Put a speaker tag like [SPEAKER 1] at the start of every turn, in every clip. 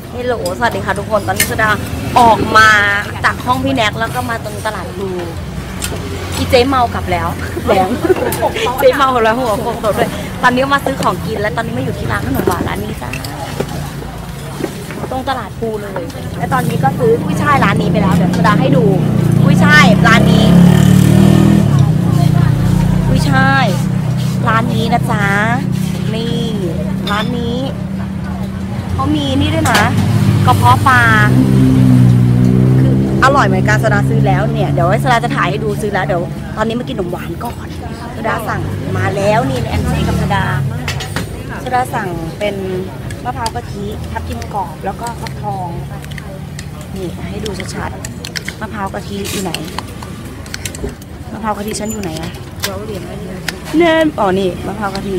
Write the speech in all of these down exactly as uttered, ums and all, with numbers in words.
[SPEAKER 1] เฮลโหลสวัสดีค่ะทุกคนตอนนี้สดาออกมาจากห้องพี่แน็กแล้วก็มาตรงตลาดดูพี่เจ๊เมากลับแล้วแดงเจ๊เมาแล้วหัวโขกตดด้วยตอนนี้มาซื้อของกินแล้วตอนนี้มาอยู่ที่ร้านขนมหวานร้านนี้จ้าตรงตลาดปูเลยและตอนนี้ก็ซื้อกุ้ยช่ายร้านนี้ไปแล้วเดี๋ยวสดาให้ดูกุ้ยช่ายร้านนี้กุ้ยช่ายร้านนี้นะจ๊ะนี่ร้านนี้เขามีนี่ด้วยนะกระเพาะปลาคืออร่อยเหมือนกันสดาซื้อแล้วเนี่ยเดี๋ยวสดาจะถ่ายให้ดูซื้อแล้วเดี๋ยวตอนนี้มากินขนมหวานก่อนสดาสั่งมาแล้วนี่แอนซี่กับสดาสดาสั่งเป็นมะพร้าวกะทิทับทิมกรอบแล้วก็ฟักทองนี่ให้ดูชัดๆมะพร้าวกะทิอยู่ไหนมะพร้าวกะทิฉันอยู่ไหนอะเราเหรียญอะไรแนนอ๋อนี่มะพร้าวกะทิ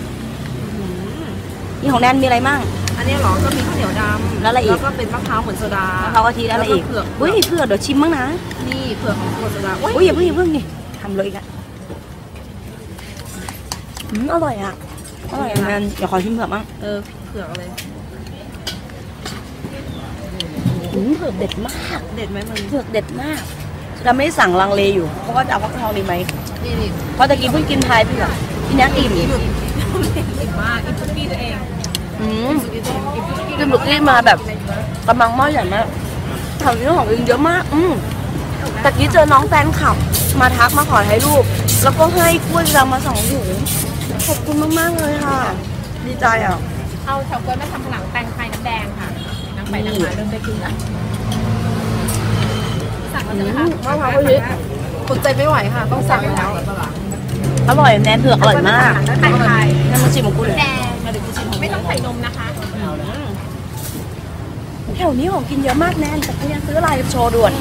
[SPEAKER 1] นี่ของแนนมีอะไรมั่ง
[SPEAKER 2] อันนี้หรอก็มีข้าวเหนียวดำ
[SPEAKER 1] แล้วอะไรอีก
[SPEAKER 2] แล้วก็เป็นมะพร้าวเหมือนโซดามะ
[SPEAKER 1] พร้าวกะทิแล้วอะไรอีก
[SPEAKER 2] เผือก
[SPEAKER 1] อุ้ยเผือกเดี๋ยวชิมบ้างนะ
[SPEAKER 2] นี่เผือกของโซดา
[SPEAKER 1] อุ้ยอย่าเพิ่งอย่าเพิ่งนี่ทำเลยอีกอ่ะอืมอร่อยอ่ะอร่อยแนนอย่าขอชิมเผือกบ้าง
[SPEAKER 2] เออเผือกอะไร
[SPEAKER 1] อืมเผือกเด็ดมาก
[SPEAKER 2] เด็ดไหมมึง
[SPEAKER 1] เผือกเด็ดมากเราไม่ได้สั่งลังเลอยู่เพราะว่าจะเอาฟักทองดีไหม
[SPEAKER 2] นี่นี่
[SPEAKER 1] เพราะตะกี้เพิ่งกินพายเผือกกินนักอิ่ม
[SPEAKER 2] อิ่มมากอิ่มทุกที่ตัวเอง
[SPEAKER 1] อืมกินบุกกี้มาแบบกำลังหม้อใหญ่มากทำเรื่องของเองเยอะมากอืมตะกี้เจอน้องแฟนคลับมาทักมาขอให้รูปแล้วก็ให้กล้วยเรามาสองถุงขอบคุณมากๆเลยค่ะดีใจอ่ะ
[SPEAKER 2] เอาเฉาก๊วยมาทำผนังแตงไทยน้ำแดงค่ะน้ำไปน้ำมาเริ่มไปกินแล้วสั่งมาเลยค่ะมะพร้าวกะทิอดใจไม่ไหวค่ะต้องสั่งแล้ว
[SPEAKER 1] อร่อยแนนเผือกอร่อยมาก
[SPEAKER 2] แตงไทย
[SPEAKER 1] น้ำมันชิมของกูเลย
[SPEAKER 2] แดงไม่ต้องใส่นมนะคะ
[SPEAKER 1] แถวนี้ของกินเยอะมากแนนแต่กูยังซื้ออะไรโชว์ด่วน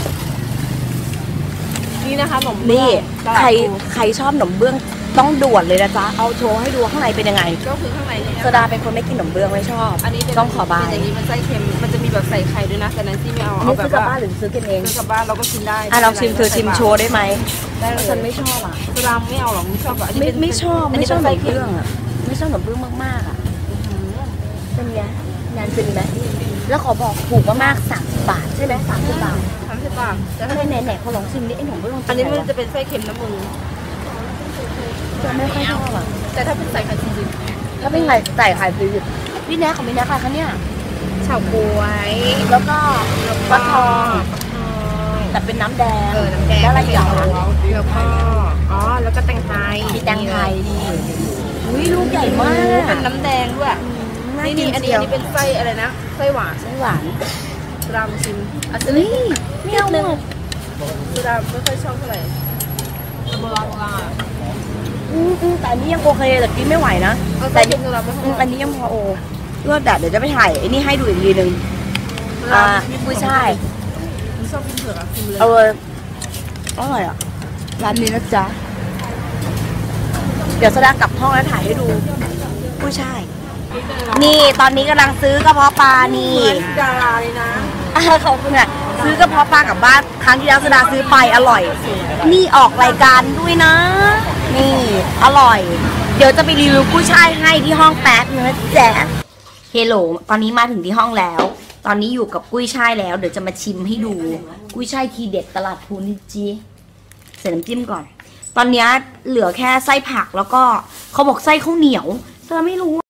[SPEAKER 2] นี่นะคะขนม
[SPEAKER 1] นี่ใครใครชอบขนมเบื้องต้องด่วนเลยนะจ๊ะเอาโชว์ให้ดูข้างในเป็นยังไง
[SPEAKER 2] ก็คือข้างในเนี่ย
[SPEAKER 1] โซดาเป็นคนไม่กินขนมเบื้องไม่ชอบ
[SPEAKER 2] อันนี้
[SPEAKER 1] ต้องขอบาย
[SPEAKER 2] อย่างนี้มันไส้เค็มมันจะมีแบบใส่ไข่ด้วยนะแต่นั้นที่ไม่เอา
[SPEAKER 1] เอาแบบซื้อกลับบ้านหรือซื้อกินเอง
[SPEAKER 2] ซื้อกลับบ้านเราก็กินได้
[SPEAKER 1] อ่ะลองชิมเธอชิมโชว์ได้ไหมได้ฉันไม่ชอบอ่ะ
[SPEAKER 2] โซดาไม่เอาหรอกไม่ชอบอ่ะ
[SPEAKER 1] ไม่ไม่ชอบไม่ชอบขนมเบื้องอ่ะไม่ชอบขนมเบื้องมากๆอ่ะเป็นไงงานเป็นไหมแล้วขอบอกถูกมากๆสามสิบบาทใช่ไหมสามสิบบาท
[SPEAKER 2] สามสิบบาท
[SPEAKER 1] แล้วถ้าไหนไหนเขาลองชิมดิไอ้ขนมเบื้อง
[SPEAKER 2] อันนี้มันจะเป็นไส้เค็มน้ำมึง
[SPEAKER 1] จะไม่ค่อยชอบอ่ะ
[SPEAKER 2] แต่ถ้าเป็นใส่ไข่จริง
[SPEAKER 1] ๆถ้าเป็นไข่ใส่ไข่จริงๆพี่แน็กของพี่แน็กค่ะคะเนี่ย
[SPEAKER 2] เฉาก๊วย
[SPEAKER 1] แล้วก็ฟักทองแต่เป็นน้ำแดง
[SPEAKER 2] เออน้ำแดง
[SPEAKER 1] แล้วอะไรอย่าง
[SPEAKER 2] แล้วก็อ๋อแล้วก็แตงไทย
[SPEAKER 1] มีแตงไทยนี่อุ้ยลูกใหญ่มาก
[SPEAKER 2] เป็นน้ำแดงด้วยนี่นี่อันนี้อันนี้เป็นไส้อะไรนะไส้หวาน
[SPEAKER 1] ไส้หวาน
[SPEAKER 2] รามชิม
[SPEAKER 1] อ่ะนี่ไม่เอาเลย
[SPEAKER 2] สุดาไม่ค่อยชอบเท่าไหร่โบราณโบราณ
[SPEAKER 1] อืมอืมแต่อันนี้ยังโอเคแต่กินไม่ไหวนะแต่อันนี้ยังพอโอเลือดดัดเดี๋ยวจะไปถ่ายไอ้นี่ให้ดูอีกทีนึงอ่ากุ้ยช่าย
[SPEAKER 2] ชอบกินเผือกอ่ะ
[SPEAKER 1] เอออร่อยอ่ะร้านนี้นะจ๊ะเดี๋ยวสดากลับห้องแล้วถ่ายให้ดูกุ้ยช่ายนี่ตอนนี้กำลังซื้อกระเพาะปลานี่
[SPEAKER 2] ดาราเลยนะ
[SPEAKER 1] ขอบคุณอ่ะซื้อกระเพาะปลากลับบ้านครั้งที่แล้วสดาซื้อไปอร่อยนี่ออกรายการด้วยนะนี่อร่อยเดี๋ยวจะไปรีวิวกุ้ยช่ายให้ที่ห้องแป๊บนะแจ๊ะเฮลโหลตอนนี้มาถึงที่ห้องแล้วตอนนี้อยู่กับกุ้ยช่ายแล้วเดี๋ยวจะมาชิมให้ดูกุ้ยช่ายทีเด็ดตลาดพูนิจีใส่น้ำจิ้มก่อนตอนนี้เหลือแค่ไส้ผักแล้วก็เขาบอกไส้ข้าวเหนียวเธอไม่รู้